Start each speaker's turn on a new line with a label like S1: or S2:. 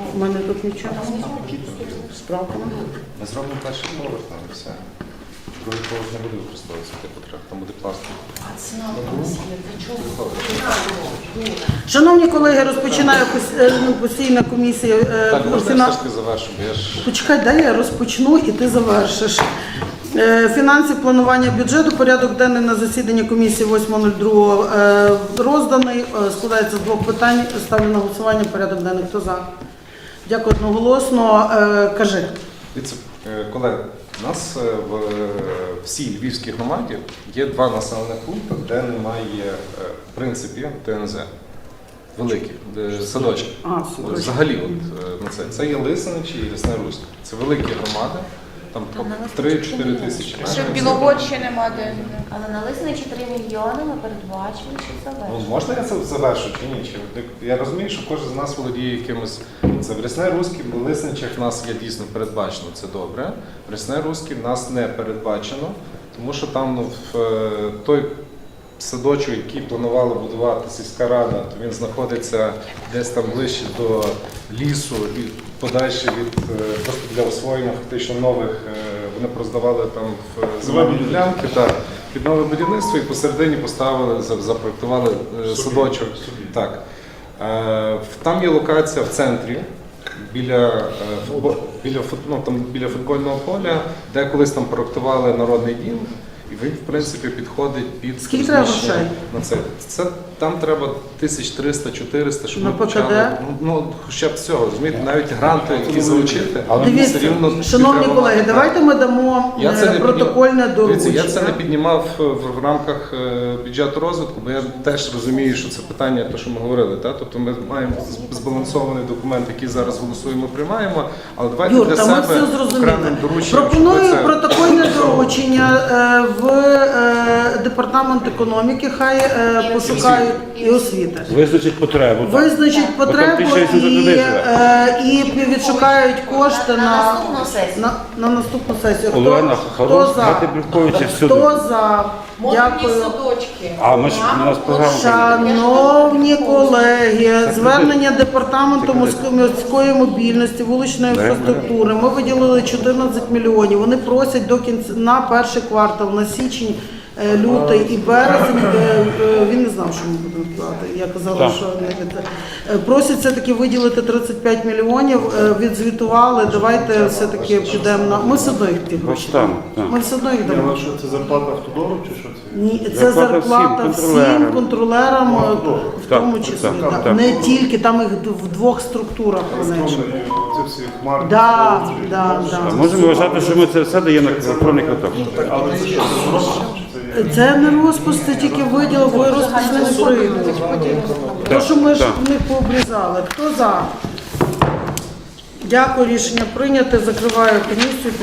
S1: У мене тут нічого. Справка.
S2: Ми зробимо перший поверх, там і все. Другий поверх не буде використовуватися, там буде пластик.
S1: Шановні колеги, розпочинаю постійна комісія.
S2: Так, можна я все ж таки завершу, бо я ж...
S1: Почекай, дай я розпочну і ти завершиш. Фінанси, планування бюджету, порядок денний на засіданні комісії 8.02 розданий. Складається з двох питань. Ставлю на голосування порядок денний. Хто за? Дякую одноголосно. Кажи.
S2: Дивіться, колеги, у нас в всій Львівській громаді є два населених пункти, де немає, в принципі, ТНЗ. Великі, садочки. Взагалі, це є Лисиничі і Лісне Руське. Це великі громади. Там 3-4 тисячі.
S3: Ще в Білогорщі нема де.
S4: Але на Лисиничі 3 мільйони ми передбачили, чи завершили.
S2: Можна я це завершу чи ні? Я розумію, що кожен з нас володіє якимось... Це в Лісне Руське, в Лисиничах в нас є дійсно передбачено, це добре. В Лісне Руське в нас не передбачено, тому що там в той садочок, який планувала будувати сільська рада, то він знаходиться десь там ближче до лісу і подальше від просто для освоєння фактично нових, вони проздавали там в земельні ділянки під нове будівництво і посередині поставили, запроектували садочок. Так. Там є локація в центрі, біля футбольного поля, де колись там проектували народний дім. І він, в принципі, підходить під...
S1: Скільки треба грошей?
S2: На це. Там треба 1300-400, щоб ми
S1: почали.
S2: Хоча б цього, розумієте, навіть гранти, які залучити.
S1: Дивіться, шановні колеги, давайте ми дамо протокольне доручення.
S2: Я це не піднімав в рамках бюджету розвитку, бо я теж розумію, що це питання, те, що ми говорили. Тобто ми маємо збалансований документ, який зараз голосуємо, приймаємо, але давайте
S1: Юр,
S2: для себе окремим дорученням.
S1: Пропоную протокольне доручення в департамент економіки, хай пошукають і освіти.
S5: Визначить потребу.
S1: Визначить потребу і відшукають кошти на наступну сесію.
S5: Олена,
S1: Хто за? Хто за? Дякую.
S3: Садочки.
S5: А ми ж у нас програма.
S1: Шановні колеги, звернення департаменту міської мобільності, вуличної інфраструктури. Ми виділили 14 мільйонів. Вони просять до кінця на перший квартал, на січень, лютий і березень. Він не знав, що ми будемо платити. Я казала, що просять все-таки виділити 35 мільйонів. Відзвітували. Давайте все-таки підемо на. Ми все одно їх ті гроші. Ми все одно їх дамо.
S6: Що це зарплата автодору чи що це?
S1: Ні, це зарплата всім контролерам, в тому числі. Не тільки, там їх в двох структурах.
S6: Це всі хмари.
S5: Можемо вважати, що ми це все даємо на електронний квиток.
S6: Але це що, це розпис?
S1: Це не розпис, це тільки виділ, бо розпис не прийде. Тому що ми ж в них пообрізали. Хто за? Дякую, рішення прийнято. Закриваю комісію.